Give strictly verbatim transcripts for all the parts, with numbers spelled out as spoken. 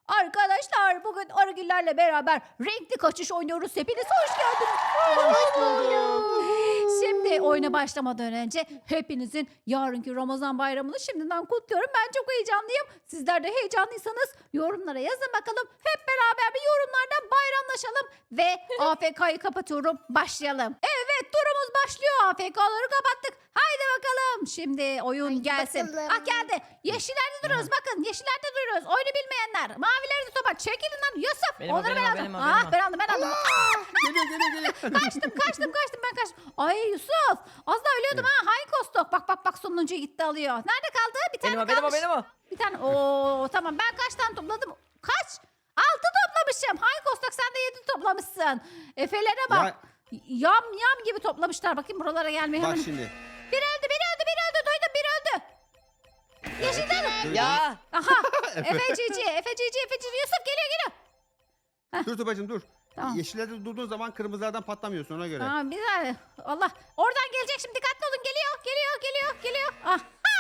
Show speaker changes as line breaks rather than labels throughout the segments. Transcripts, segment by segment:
Arkadaşlar bugün Arıgillerle beraber renkli kaçış oynuyoruz. Hepiniz hoş geldiniz.
Hoş bulduk.
Şimdi oyuna başlamadan önce hepinizin yarınki Ramazan bayramını şimdiden kutluyorum. Ben çok heyecanlıyım. Sizler de heyecanlıysanız yorumlara yazın bakalım. Hep beraber bir yorumlardan bayramlaşalım. Ve A F K'yı kapatıyorum. Başlayalım. Evet turumuz başlıyor. A F K'ları kapattık. Haydi bakalım. Şimdi oyun
Haydi
gelsin.
bakalım.
Ah geldi. Yeşillerde duruyoruz. Bakın yeşillerde duruyoruz. Oyunu bilmeyenler. Mavilerde topa. Çekilin lan Yusuf.
Benim o,
Onları
benim
ben
o,
aldım.
benim o,
Ah
benim o.
ben aldım ben aldım.
Geliyor geliyor geliyor.
Kaçtım kaçtım kaçtım ben kaçtım. Ay Yusuf az daha ölüyordum ha. Hay Kostok. Bak bak bak sonuncuyu gitti alıyor. Nerede kaldı? Bir tane
Benim o, benim o,
kalmış.
benim o.
Bir tane. Oo tamam ben kaç tane topladım? Kaç? Altı toplamışım. Hay Kostok sen de yedi toplamışsın. Efelere bak.
Ya,
Yam yam gibi toplamışlar. Bakayım buralara gelmeye
bak
hemen.
şimdi.
Biri öldü biri öldü biri öldü. Duydum biri öldü. Yeşilden.
Duydum.
Ya.
Aha. Efe Cici. Efe Cici. Efe Cici. Yusuf geliyor geliyor.
Dur Tuba'cığım dur.
Tamam.
Yeşillerde durduğun zaman kırmızılardan patlamıyorsun ona göre.
Tamam bir saniye. Allah. Oradan gelecek şimdi. Dikkatli olun. Geliyor. Geliyor. Geliyor. Geliyor. Ah.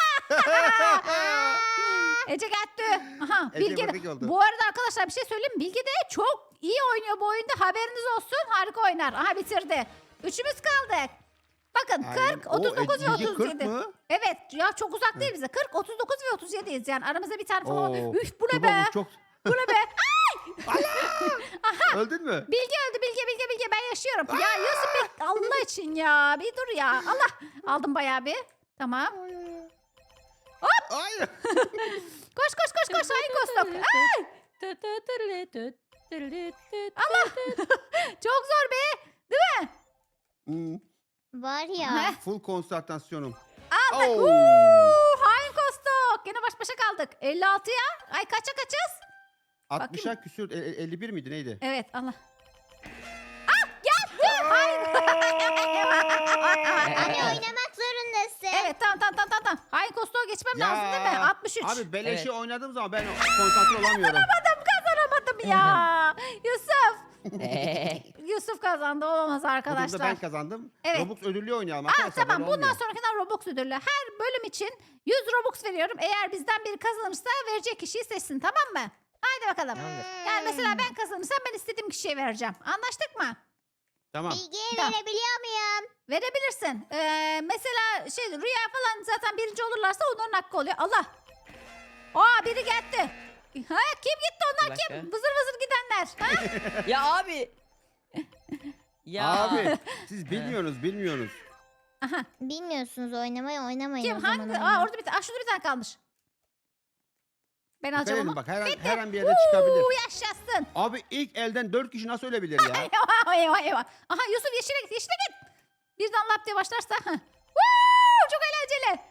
Ece gitti. Aha,
Ece
Bilge.
buradaki oldu.
Bu arada arkadaşlar bir şey söyleyeyim mi? Bilge de çok iyi oynuyor bu oyunda. Haberiniz olsun. Harika oynar. Aha bitirdi. Üçümüz kaldık. Bakın
Aynen.
kırk,
Oo,
otuz dokuz ve
Ece
otuz
kırk
yedi.
mı?
Evet ya çok uzak değil bize. kırk, otuz dokuz ve otuz yediyiz yani. Aramızda bir tane falan.
Oo,
var. Üf bu ne
Tuba
be?
bu çok...
Bu ne be?
Öldün mü?
Bilge öldü Bilge Bilge Bilge ben yaşıyorum. Ya Yusuf bir Allah için ya. Bir dur ya. Allah. Aldım bayağı bir. Tamam.
Hayır.
Koş koş koş koş. Hayır Kostok. Ay, Allah. Çok zor be.
Hmm,
Var
Heh.
ya.
full konsantrasyonum.
Aldık.
Oo.
Uuu, hain Kostok. Yine baş başa kaldık. elli altıya. Ay kaça kaçız?
altmışa küsür. e- e- elli bir miydi neydi?
Evet Allah. Ah geldi. Hain.
Hani oynamak zorundasın.
Evet tamam tamam tamam tamam. tamam. Hain Kostok'u geçmem lazım değil mi? altmış üç.
Abi beleşi
Evet.
oynadığım zaman ben konsantre olamıyorum.
Kazanamadım kazanamadım ya. Yusuf. Yusuf kazandı olamaz
Bu durumda
arkadaşlar.
ben kazandım.
Evet.
Robux ödüllü oynayalım
Aa,
arkadaşlar.
tamam
böyle
bundan
olmuyor.
sonrakinden Robux ödüllü. Her bölüm için yüz Robux veriyorum. Eğer bizden biri kazanırsa verecek kişiyi seçsin tamam mı? Haydi bakalım.
Tamamdır.
Yani mesela ben kazanırsam ben istediğim kişiye vereceğim. Anlaştık mı?
Tamam.
Bilgiyi
Tamam.
verebiliyor muyum?
Verebilirsin. Ee, mesela şey Rüya falan zaten birinci olurlarsa onların hakkı oluyor. Allah. Aa biri gitti. Ha kim gitti onlar
Bir
kim?
dakika.
Vızır vızır gidenler. Ha?
Ya abi. Ya.
Abi siz bilmiyorsunuz bilmiyorsunuz.
Aha.
Bilmiyorsunuz oynamayı oynamayın
Kim
o zaman.
hangi?
oyunu.
Aa orada bir tane. Aa şurada bir tane kalmış. Ben alacağım
Verelim
onu.
bak her an, her an bir yerde çıkabilir.
Uuu yaşasın.
Abi ilk elden dört kişi nasıl ölebilir ya?
Eyvah eyvah eyvah. Aha Yusuf yeşile git yeşile git. Birden lap diye başlarsa. heh. Woo, çok eğlenceli.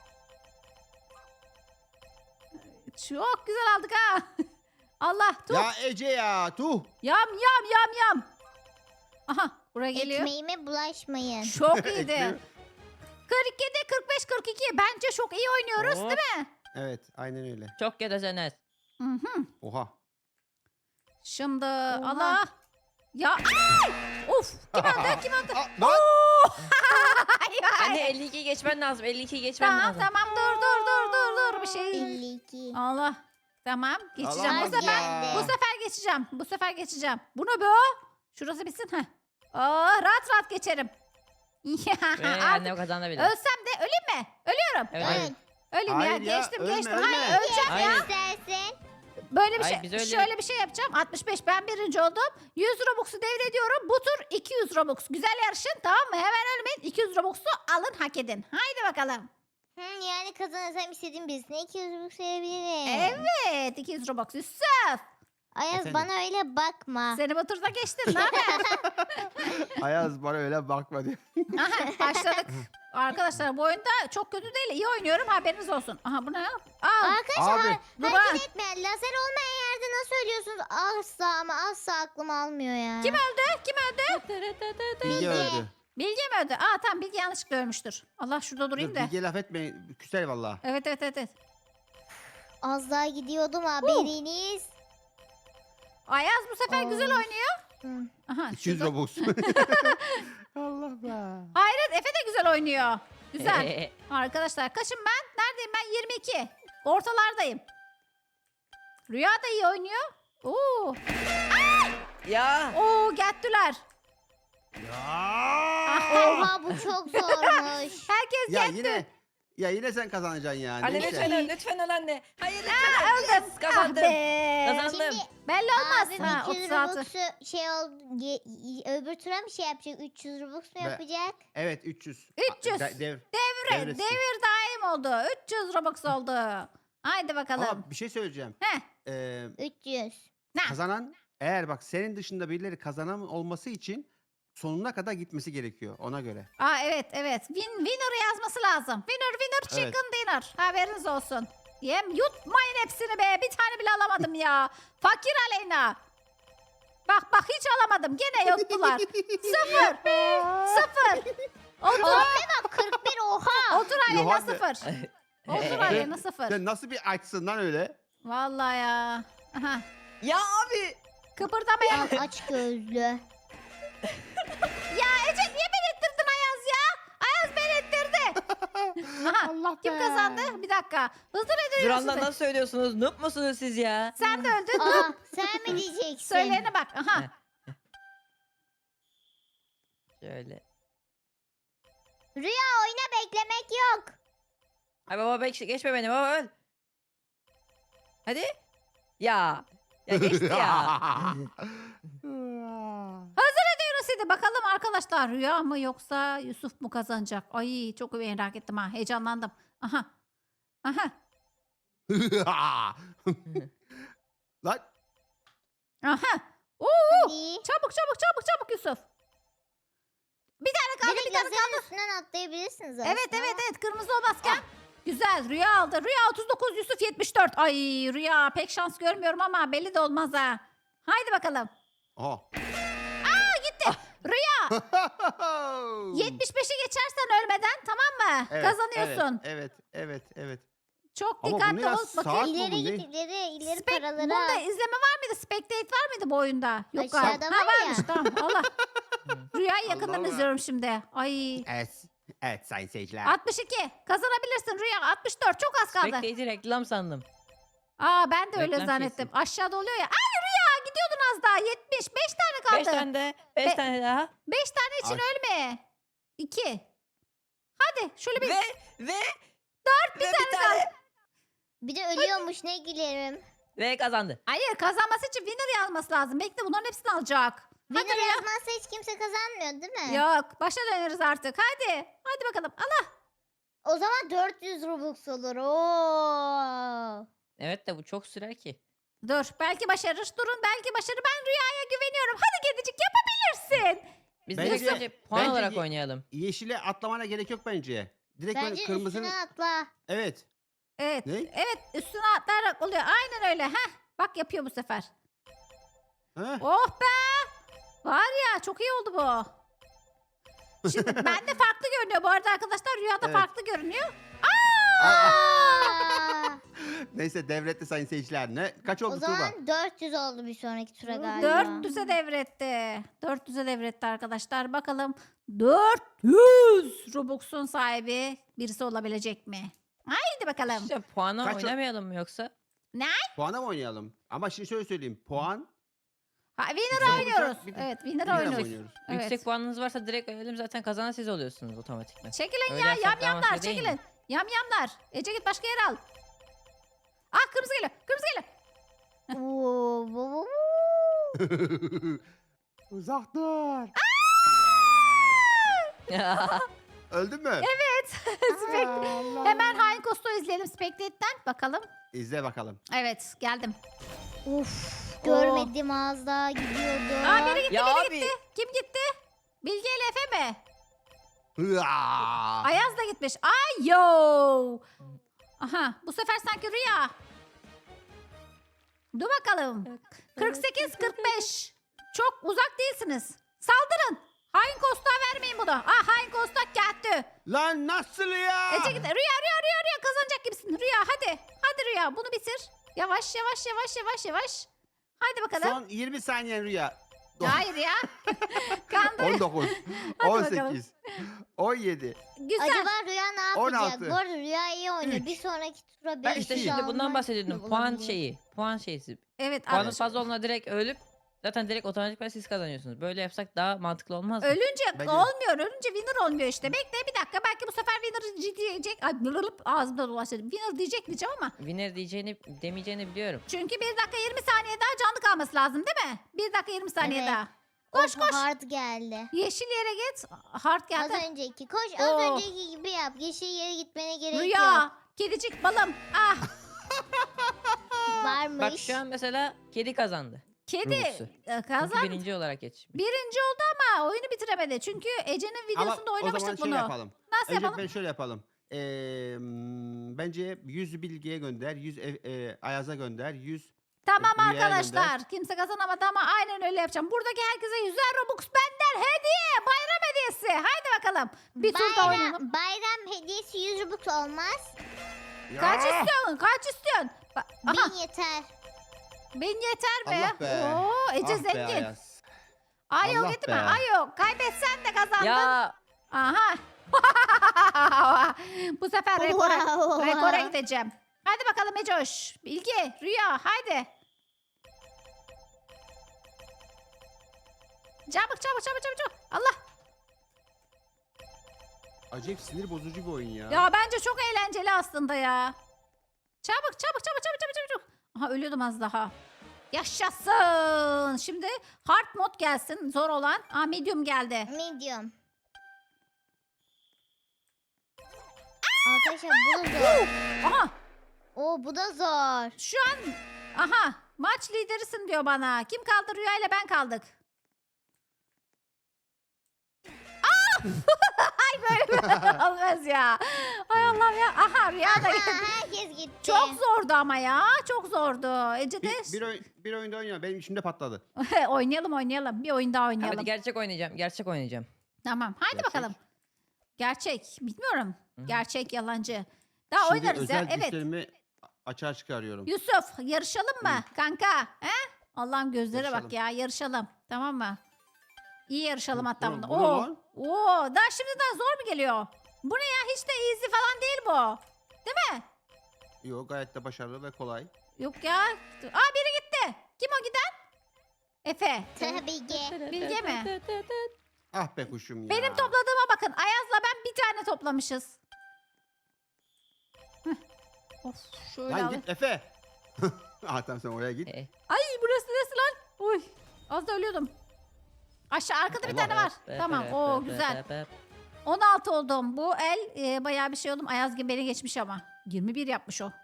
Çok güzel aldık ha. Allah tuh.
Ya Ece ya tuh.
Yam yam yam yam. Aha buraya geliyor.
Ekmeğime bulaşmayın.
Çok iyiydi.
Ekmeği-
kırk yedi kırk beş kırk iki bence çok iyi oynuyoruz
Hop.
değil mi?
Evet aynen öyle.
Çok kötüsünüz.
Hı hı.
Oha.
Şimdi Allah. Ya ay! Of kim öldü kim öldü?
Aa, lan!
Ay, ay.
Anne elli ikiyi geçmen lazım. elli ikiyi geçmen
Tamam
lazım.
tamam dur dur dur dur dur bir şey.
elli iki.
Allah. Tamam geçeceğim. Bu
Alamaz
sefer
ya.
bu sefer geçeceğim. Bu sefer geçeceğim. Bu ne be? Şurası bitsin ha. Aa rahat rahat geçerim.
Ve
Ya,
anne o
artık
kazanabilir.
ölsem de öleyim mi? Ölüyorum.
Evet.
Evet.
evet.
Öleyim ya.
Hayır ya,
Geçtim
ölme,
geçtim.
ölme.
Hayır öleceğim ya.
Hayır.
İstersin.
Böyle bir
Hayır,
şey.
biz öyle-
Şöyle bir şey yapacağım. altmış beş ben birinci oldum. yüz Robux'u devrediyorum. Bu tur iki yüz Robux. Güzel yarışın tamam mı? Hemen ölmeyin. iki yüz Robux'u alın hak edin. Haydi bakalım.
Hı, yani kazanırsam istediğim birisine iki yüz buçuk sayabilirim.
Evet iki yüz Robux. Yusuf.
Ayaz
Efendim?
bana öyle bakma.
Seni bu turda geçtim. Ne haber?
Ayaz bana öyle bakma diyor.
Aha başladık. Arkadaşlar bu oyunda çok kötü değil. İyi oynuyorum haberiniz olsun. Aha bu ne? Aa,
Arkadaşlar
Abi.
dur
hareket
bak.
etmeyen lazer olmayan yerde nasıl ölüyorsunuz? Asla ama asla aklım almıyor ya.
Kim öldü? Kim öldü?
Bilge öldü.
Bilge mi öldü? Aa tamam Bilge yanlışlıkla ölmüştür. Allah şurada durayım
Dur,
da.
Bilge laf etmeyin. Küser valla.
Evet evet evet. evet.
Az daha gidiyordum haberiniz.
Ayaz bu sefer güzel
Of.
oynuyor.
Hı.
Aha,
iki yüz
şurada-
Robux. Allah be.
Hayret Efe de güzel oynuyor. Güzel. Arkadaşlar kaçım ben? Neredeyim ben? yirmi iki. Ortalardayım. Rüya da iyi oynuyor. Oo.
Ya.
Oo gettiler.
Ya.
Oha bu çok zormuş.
Herkes
Ya
getti.
yine ya yine sen kazanacaksın ya.
Anne
Neyse.
lütfen öl, lütfen öl anne. Hayır lütfen öl.
Öldüm.
Yes, kazandım.
Ah be.
Kazandım.
Şimdi
Belli olmaz.
abim
Ha,
iki yüz
otuz altı.
Robux'u şey oldu. ye- y- öbür tura mı şey yapacak? üç yüz Robux mu
Be-
yapacak?
Evet üç yüz.
üç yüz.
De- dev-
Devir,
devretsin.
devir daim oldu. üç yüz Robux oldu. Haydi bakalım.
Ama bir şey söyleyeceğim.
Heh.
Ee,
üç yüz.
Ne?
kazanan eğer bak senin dışında birileri kazanan olması için sonuna kadar gitmesi gerekiyor ona göre.
Aa evet evet. Win, winner yazması lazım. Winner winner
Evet.
chicken dinner. Haberiniz olsun. Yem yutmayın hepsini be. Bir tane bile alamadım ya. Fakir Aleyna. Bak bak hiç alamadım. Gene yuttular. Sıfır. Sıfır. Otur.
Abime bak kırk bir oha.
Otur Aleyna
Yohane.
sıfır. Otur Aleyna sıfır.
Sen nasıl bir açsın lan öyle?
Vallahi ya. Aha.
Ya abi.
Kıpırdamayın.
Tam aç gözlü.
Ya Ece niye beni ittirdin Ayaz ya? Ayaz beni ittirdi. Aha.
Allah
Kim
be.
kazandı? Bir dakika. Hızlı ne
Duran'dan
diyorsun?
nasıl söylüyorsunuz? Noob musunuz siz ya?
Sen de öldün.
Aa sen mi diyeceksin?
Söyleyene bak. Aha.
Şöyle.
Rüya oyuna beklemek yok.
Ay baba bek geçme beni baba öl. Hadi. Ya. Ya geçti ya.
Hazır ediyoruz hadi. Bakalım arkadaşlar Rüya mı yoksa Yusuf mu kazanacak? Ay çok merak ettim ha. Heyecanlandım. Aha. Aha.
Lan
Aha. Oo.
Hadi.
Çabuk çabuk çabuk çabuk Yusuf. Bir tane kaldı
Direkt
bir tane
lazerin
kaldı.
üstünden atlayabilirsiniz aslında.
Evet evet evet kırmızı olmazken. Güzel Rüya aldı. Rüya otuz dokuz Yusuf yetmiş dört. Ay Rüya pek şans görmüyorum ama belli de olmaz ha. Haydi bakalım.
Aha.
Rüya yetmiş beşi geçersen ölmeden tamam mı?
Evet,
Kazanıyorsun.
Evet, evet, evet, evet.
Çok
Ama bu
dikkatli
ne ya?
ol. Bakayım.
Saat-
İleri
bu
git
ne?
ileri ileri
Spek-
paraları
Bunda
al.
izleme var mıydı? Spectate var mıydı bu oyunda? Yok galiba.
Aşağıda
Ha,
var ya.
varmış tamam. Allah. Rüyayı yakından
Allah.
izliyorum şimdi. Ay.
Evet, evet sayın seyirciler.
altmış iki. Kazanabilirsin Rüya. altmış dört. Çok az kaldı.
Spectator reklam sandım.
Aa ben de öyle
Reklam
zannettim.
kesin.
Aşağıda oluyor ya. Ay Rüya gidiyordun az daha. yetmiş. beş tane kaldı.
Beş tane de. Beş
Be-
tane daha.
beş tane için
Ay.
ölme. iki. Hadi şöyle bir.
Ve ve
Dört
bir tane,
kaldı.
Bir de ölüyormuş ne gülerim.
ve kazandı.
Hayır kazanması için winner yazması lazım. Bekle bunların hepsini alacak. Hadi
Winner
Rüya.
yazmazsa hiç kimse kazanmıyor değil mi?
Yok başa döneriz artık. Hadi. Hadi bakalım. Allah.
O zaman dört yüz Robux olur. Oo.
Evet de bu çok sürer ki.
Dur belki başarır. Durun belki başarır. Ben Rüya'ya güveniyorum. Hadi kedicik yapabilirsin.
Biz
Bence-
direkt önce puan
bence
olarak
ye-
oynayalım.
Yeşile atlamana gerek yok bence. Direkt böyle
Bence
kırmızının...
üstüne atla.
Evet.
Evet.
Ne?
Evet üstüne atlayarak oluyor. Aynen öyle. Heh. Bak yapıyor bu sefer.
Ha?
Oh be. Var ya çok iyi oldu bu. Şimdi bende farklı görünüyor bu arada arkadaşlar. Rüyada
Evet.
farklı görünüyor.
Aa!
Aa,
Neyse devretti sayın seyirciler. Ne? Kaç oldu
o
Tuğba?
zaman dört yüz oldu bir sonraki tura galiba.
dört yüze devretti. dört yüze devretti arkadaşlar. Bakalım dört yüz Robux'un sahibi birisi olabilecek mi? Haydi bakalım.
İşte puana
Kaç o-
oynamayalım mı yoksa?
Puana mı oynayalım? Ama şimdi şöyle söyleyeyim. Puan...
Ha, winner
Güzel
oynuyoruz.
olacak, bir de-
Evet winner
Winner
oynuyoruz.
oynuyoruz.
Evet.
Yüksek puanınız varsa direkt ölelim zaten kazanan siz oluyorsunuz otomatikman.
Çekilin
Öyle
ya
yapsak
yam
daha
yamlar
mantıklı değil mi?
çekilin. Yam yamlar. Ece git başka yere al. Ah kırmızı geliyor. Kırmızı geliyor.
Oo, bu, bu, bu.
Uzak dur. Öldün mü?
Evet. Spek-
Allah.
Hemen Hain Kostu izleyelim Spectate'den. Bakalım.
İzle bakalım.
Evet geldim.
Uf, görmedim az daha gidiyordu.
Aa biri gitti
ya
biri
abi.
gitti. Kim gitti? Bilge ile Efe mi?
Hıa!
Ayaz da gitmiş. Ay yo. Aha bu sefer sanki Rüya. Dur bakalım. kırk sekiz kırk beş. Çok uzak değilsiniz. Saldırın. Hain Kosta vermeyin bunu. Ah Hain Kosta geldi.
Lan nasıl ya?
Ece git. Rüya Rüya Rüya Rüya kazanacak gibisin. Rüya hadi. Hadi Rüya bunu bitir. Yavaş yavaş yavaş yavaş yavaş. Hadi bakalım.
Son yirmi saniyen Rüya.
Hayır ya. Kandır.
on dokuz,
Hadi
on
bakalım.
sekiz, on yedi.
Güzel.
Acaba Rüya ne yapacak?
on altı,
Bu arada Rüya iyi oynuyor.
üç,
Bir sonraki tura
Ben
bir
işte
iki,
şimdi
almak
bundan bahsediyordum. Puan
olabilir.
şeyi. Puan şeysi.
Evet.
Puanın
evet.
fazla olduğuna direkt ölüp zaten direkt otomatikman siz kazanıyorsunuz. Böyle yapsak daha mantıklı olmaz mı?
Ölünce
Bence-
olmuyor. Ölünce winner olmuyor işte. Bekle bir dakika. Belki bu sefer winner diyecek. Ay, blırlıp ağzımda dolaştı. Winner diyecek diyeceğim ama.
Winner diyeceğini demeyeceğini biliyorum.
Çünkü bir dakika yirmi saniye daha canlı kalması lazım değil mi? bir dakika yirmi saniye
Evet.
daha. Koş
Oh,
koş.
Hard geldi.
Yeşil yere git. Hard
Az
geldi.
önceki. Koş az
Oh.
önceki gibi yap. Yeşil yere gitmene gerek yok.
Rüya. Kedicik balım. Ah.
Varmış.
Bak şu an mesela kedi kazandı.
Kedi
Rubux'u.
e,
Çünkü
kazan.
birinci olarak geçmiş.
Birinci oldu ama oyunu bitiremedi. Çünkü Ece'nin
Ama
videosunda
o zaman
oynamıştık
şöyle
bunu.
yapalım.
Nasıl
Önce
yapalım?
ben şöyle yapalım. Ee, m, bence yüz Bilge'ye gönder, yüz e, e, Ayaz'a gönder, yüz
Tamam
Rüya'ya
arkadaşlar. Kimse kazanamadı ama aynen öyle yapacağım. Buradaki herkese yüzer Robux benden hediye. Bayram hediyesi. Haydi bakalım. Bir tur daha
bayram,
oynayalım.
bayram hediyesi yüz Robux olmaz.
Kaç istiyorsun? Kaç istiyorsun? Ba- Aha,
Bin yeter.
bin yeter mi?
Allah be.
Oo, Ece
Ah be
zengin.
Ayaz.
Ay yok
Allah
gitme.
be.
Ay yok. Kaybetsen de kazandın.
Ya
Aha. Bu sefer rekora,
Wow.
rekora gideceğim. Hadi bakalım Ecoş. Bilge, Rüya haydi. Çabuk çabuk çabuk çabuk çabuk. Allah.
Acayip sinir bozucu bir oyun ya.
Ya bence çok eğlenceli aslında ya. Çabuk çabuk çabuk çabuk çabuk çabuk. çabuk. Aha ölüyordum az daha. Yaşasın. Şimdi hard mod gelsin. Zor olan. Aa medium geldi.
Medium. Arkadaşlar bu da zor.
Aha
Oo bu da zor.
şu an aha maç liderisin diyor bana. Kim kaldı? Rüya ile ben kaldık. Aa! Ay böyle olmaz ya. Ay Allah'ım ya. Aha Rüya da
Aha,
geldi.
herkes gitti.
Çok zordu ama ya. Çok zordu. Ece de
Bir, bir, oyun, bir oyunda oynuyor. Benim içimde patladı.
oynayalım oynayalım. Bir oyun daha oynayalım.
hadi gerçek oynayacağım. Gerçek oynayacağım.
Tamam. Haydi
Gerçek.
bakalım. Gerçek. Bilmiyorum.
Hı.
Gerçek, yalancı. Daha
Şimdi
oynarız ya.
özel
Evet.
güçlerimi açığa çıkarıyorum.
Yusuf yarışalım mı kanka? He? Allah'ım gözlere bak
Yarışalım.
ya. Yarışalım. Tamam mı? İyi yarışalım
Bu-
hatta
bu-
bunda.
bu ne
Oo.
lan?
Oo, daha şimdiden zor mu geliyor? Bu ne ya? Hiç de easy falan değil bu.
Yok gayet de başarılı ve kolay.
Yok ya. Aa biri gitti. Kim o giden? Efe.
Tabii ki.
Bilge mi?
Ah be kuşum ya.
Benim topladığıma bakın. Ayaz'la ben bir tane toplamışız. Heh. Of şöyle
Lan
alayım.
git Efe. ah tamam sen oraya git.
Eh,
Ay burası neresi lan? Uy. Az da ölüyordum. Aşağı arkada bir
Allah.
tane var. Tamam. Oo güzel. on altı oldum. Bu el e, bayağı bir şey oldum. Ayaz gibi beni geçmiş ama. yirmi bir yapmış o.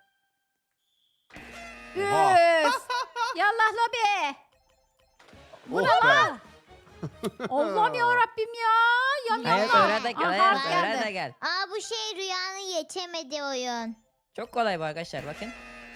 Oha.
Üf. Yallah lobi. Bu
Oh
ne
be.
lan? Allah'ım ya Rabbim ya. Yan
Ayaz
yana.
öğren de gel.
Aha,
Ayaz
geldi.
öğren de gel.
Aa bu şey Rüya'nın geçemediği oyun.
Çok kolay bu arkadaşlar bakın.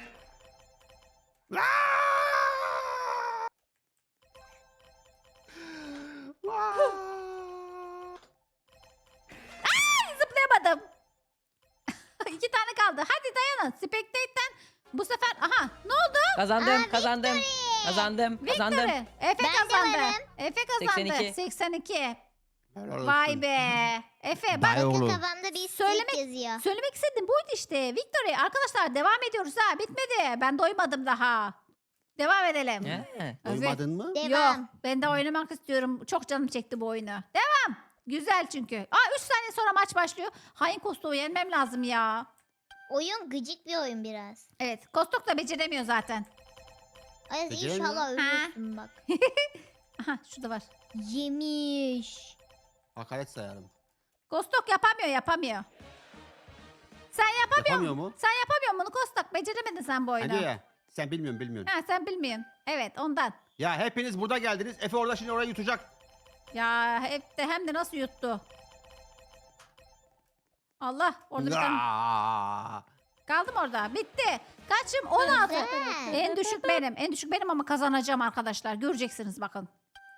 Zıplayamadım. İki tane kaldı. Hadi dayanın. Spectate'den bu sefer aha ne oldu?
Kazandım
Aa,
kazandım. Kazandım kazandım.
Victory. Efe
Ben de
kazandı.
varım.
Efe kazandı.
seksen iki.
seksen iki.
Helal olsun.
Vay be. Efe bak
Vay oğlum.
Kafamda bir
Söylemek-
stick yazıyor.
söylemek istediğim buydu işte. Victory arkadaşlar devam ediyoruz ha. Bitmedi. Ben doymadım daha. Devam edelim.
He.
Evet.
Duymadın mı?
Devam.
Yok ben de oynamak istiyorum. Çok canım çekti bu oyunu. Devam. Güzel çünkü. Aa üç saniye sonra maç başlıyor. Hain Kostuk'u yenmem lazım ya.
Oyun gıcık bir oyun biraz.
Evet Kostuk da beceremiyor zaten.
Ay
Beceremiyor.
inşallah
Ha.
ölürsün bak.
Aha şurada var.
Yemiş.
Hakaret sayarım.
Kostok yapamıyor yapamıyor. Sen yapamıyor
Yapamıyor
musun?
mu?
Sen yapamıyor musun Kostok? Beceremedin sen bu oyunu.
Hadi ya. Sen bilmiyorsun bilmiyorsun.
Ha sen bilmiyorsun. Evet ondan.
Ya hepiniz burada geldiniz. Efe orada şimdi orayı yutacak.
Ya hep de hem de nasıl yuttu. Allah orada bir tane.
Aa!
Kaldım orada. Bitti. Kaçım? on altı.
Güzel.
En düşük benim. En düşük benim ama kazanacağım arkadaşlar. Göreceksiniz bakın.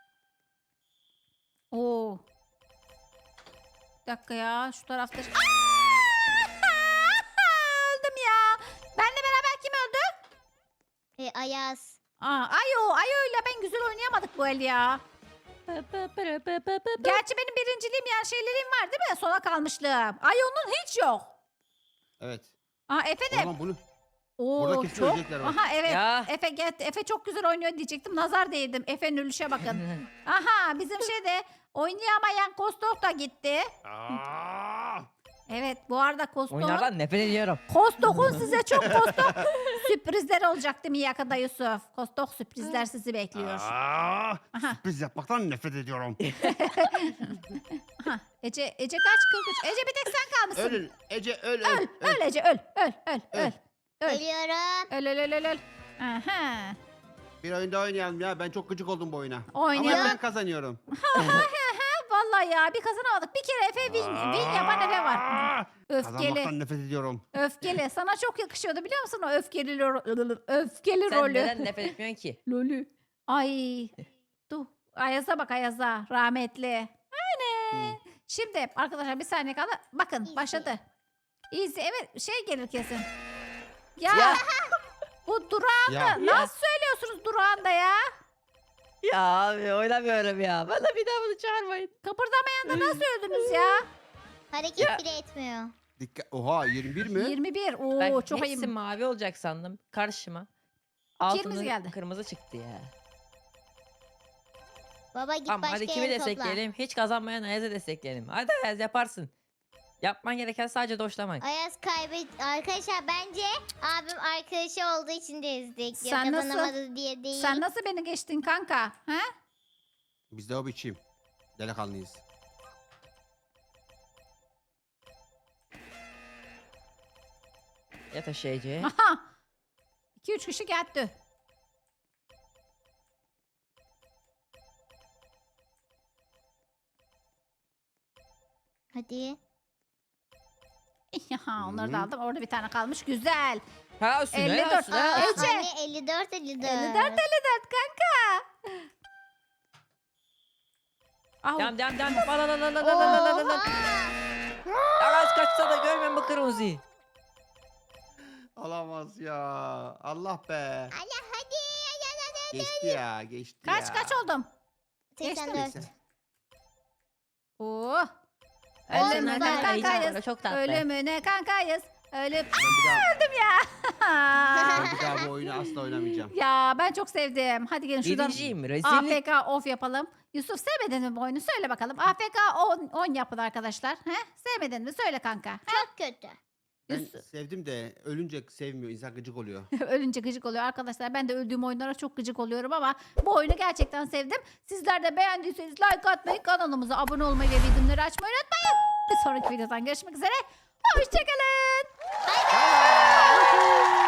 Oo. Bir dakika ya. Şu tarafta. Aa! Öldüm ya. Benle beraber kim öldü?
E, Ayaz.
Aa, ayo, ayoyla ben güzel oynayamadık bu el ya. Gerçi benim birinciliğim yani şeylerim var değil mi? Sona kalmışlığım. Ayo'nun hiç yok.
Evet.
Aa Efe
O
de.
zaman bunu
Oo,
burada kesin
çok.
ölecekler bak.
Aha evet.
Ya.
Efe get, Efe çok güzel oynuyor diyecektim. Nazar değdim. Efe'nin ölüşe bakın. Aha bizim şeyde oynayamayan Kostok da gitti.
Aa!
Evet bu arada Kostok'un
Oyunlardan nefret ediyorum.
Kostok'un size çok Kostok sürprizler olacak değil mi yakında Yusuf? Kostok sürprizler sizi bekliyor.
Aa!
Aha.
Sürpriz yapmaktan nefret ediyorum.
Aha. Ece Ece kaç kırk üç. Ece bir tek sen kalmışsın.
Ölün. Ece öl öl.
Öl,
öl.
öl Ece öl, öl, öl, öl.
Öl.
Öl.
Geliyorum.
Öl, öl, öl, öl, öl. Aha.
Bir oyunda oynayalım ya. Ben çok gıcık oldum bu oyuna.
Oynayalım.
Ama ben kazanıyorum.
Vallahi ya bir kazanamadık. Bir kere Efe win, win yapan Efe var.
Aa!
Öfkeli.
Kazanmaktan nefret ediyorum.
Öfkeli. Sana çok yakışıyordu biliyor musun o öfkeli ro- öfkeli
Sen
rolü.
neden nefret etmiyorsun ki?
Lolü. Ay. Dur. Ayaz'a bak Ayaz'a. Rahmetli. Aynen. Şimdi arkadaşlar bir saniye kaldı. Bakın
Easy.
başladı. Easy. Evet şey gelir kesin. Ya.
Ya.
Bu durağında
Ya.
nasıl söylüyorsunuz durağında ya?
Ya abi oynamıyorum ya. Bana bir daha bunu çağırmayın.
Kıpırdamayan da nasıl öldünüz ya?
Hareket
Ya.
bile etmiyor.
Dikkat. Oha yirmi bir mi?
yirmi bir. Oo
Ben
çok
hepsi
ayıp.
mavi olacak sandım karşıma.
Kırmızı
Altının
geldi.
kırmızı çıktı ya.
Baba git
Tamam
başka
hadi kimi
yere topla.
destekleyelim? Hiç kazanmayan Ayaz'ı destekleyelim. Hadi Ayaz yaparsın. Yapman gereken sadece doşlamak.
Ayaz kaybet. Arkadaşlar bence abim arkadaşı olduğu için de ezdik. Yok
Sen nasıl-
kazanamadı diye değil.
Sen nasıl beni geçtin kanka? Ha?
Biz de o biçim. Delikanlıyız.
Yat aşağı Ece.
Aha. iki üç kişi geldi.
Hadi.
Aha, onları
Hı.
da aldım. Orada bir tane kalmış. Güzel.
Ha olsun
elli
helal
dört.
olsun.
Aa,
helal olsun.
Ece.
anne elli dört elli dört.
elli dört elli dört kanka. Au.
Devam devam devam. La la la la la la la la la la.
Oha!
Ayaz kaçsa da görmem bu kırmızıyı.
Olamaz ya. Allah be.
Anne hadi. Hadi hadi hadi.
Geçti ya. Geçti
Kaç
ya.
kaç oldum?
seksen dört.
Neyse.
Oo.
Olsun,
Ölümüne
hadi,
Heyecanlı,
kankayız.
çok tatlı.
Ölümüne kankayız. Ölüm.
Ben bir daha,
Öldüm ya.
ben bir daha bu oyunu asla oynamayacağım.
Ya ben çok sevdim. Hadi gelin şuradan
Birinciyim rezillik.
A F K off yapalım. Yusuf sevmedin mi bu oyunu? Söyle bakalım. A F K on, on yapın arkadaşlar. He? Sevmedin mi? Söyle kanka. He?
Çok kötü.
Ben
Yusuf-
sevdim de ölünce sevmiyor. İnsan gıcık oluyor.
Ölünce gıcık oluyor arkadaşlar. Ben de öldüğüm oyunlara çok gıcık oluyorum ama bu oyunu gerçekten sevdim. Sizler de beğendiyseniz like atmayı, kanalımıza abone olmayı ve bildirimleri açmayı unutmayın. Bir sonraki videodan görüşmek üzere. Hoşçakalın.
Bye bye.